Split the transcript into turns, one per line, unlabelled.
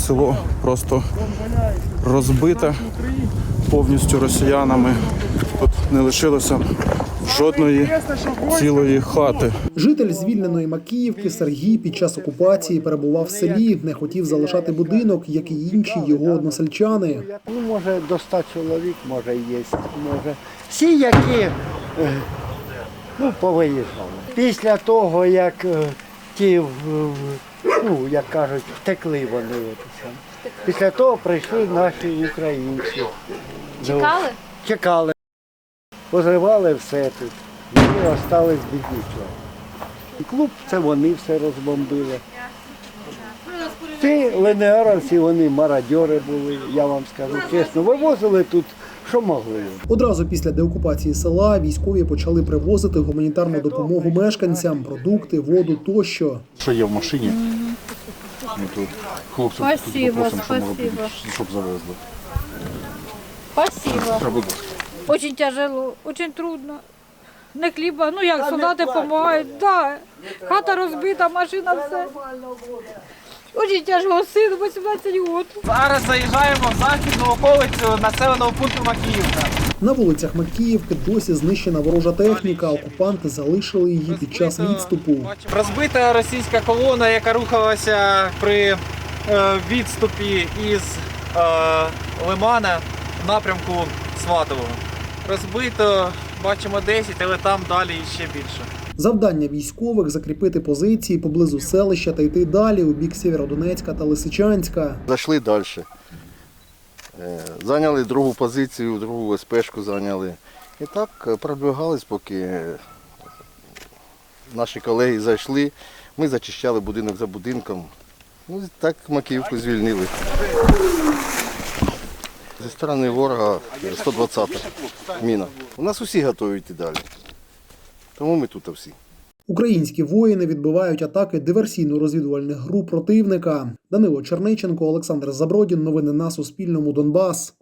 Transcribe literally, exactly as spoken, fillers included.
село просто розбите повністю росіянами. Тут не лишилося жодної цілої хати.
Житель звільненої Макіївки Сергій під час окупації перебував в селі, не хотів залишати будинок, як і інші його односельчани.
Ну, може, до ста чоловік, може, є, може. Всі, які ну, повиїжджали. Після того, як ті, ну, як кажуть, втекли вони. Після того прийшли наші українці.
Чекали?
Чекали. Позривали все тут. Ми залишились без нічого. І клуб, це вони все розбомбили. Ці ленеаровці, вони мародьори були, я вам скажу чесно. Вивозили тут, що могли.
Одразу після деокупації села військові почали привозити гуманітарну допомогу мешканцям, продукти, воду тощо.
Що є в машині? Ми тут хлопців
Спасибо,
попросимо, що може
спасибо.
бути, щоб завезли.
Спасибо.
Будь ласка.
Очень тяжело, очень трудно. Не хліба, ну як солдати допомагають, да. Хата розбита, машина, все. Очень тяжко, сину вісімнадцять років.
Зараз заїжджаємо в західну околицю населеного пункту Макіївка.
На вулицях Макіївки досі знищена ворожа техніка, окупанти залишили її під час відступу.
Розбита російська колона, яка рухалася при е, відступі із е, Лимана в напрямку Сватового. Розбито, бачимо десять, але там далі ще більше.
Завдання військових – закріпити позиції поблизу селища та йти далі у бік Сєвєродонецька та Лисичанська.
Зайшли далі. Зайняли другу позицію, другу ес-пешку зайняли. І так продвигались, поки наші колеги зайшли. Ми зачищали будинок за будинком. Ну, так Макіївку звільнили. Зі сторони ворога сто двадцята міна. У нас усі готові йти далі. Тому ми тут всі.
Українські воїни відбивають атаки диверсійно-розвідувальних груп противника. Данило Черниченко, Олександр Забродін. Новини на Суспільному. Донбас.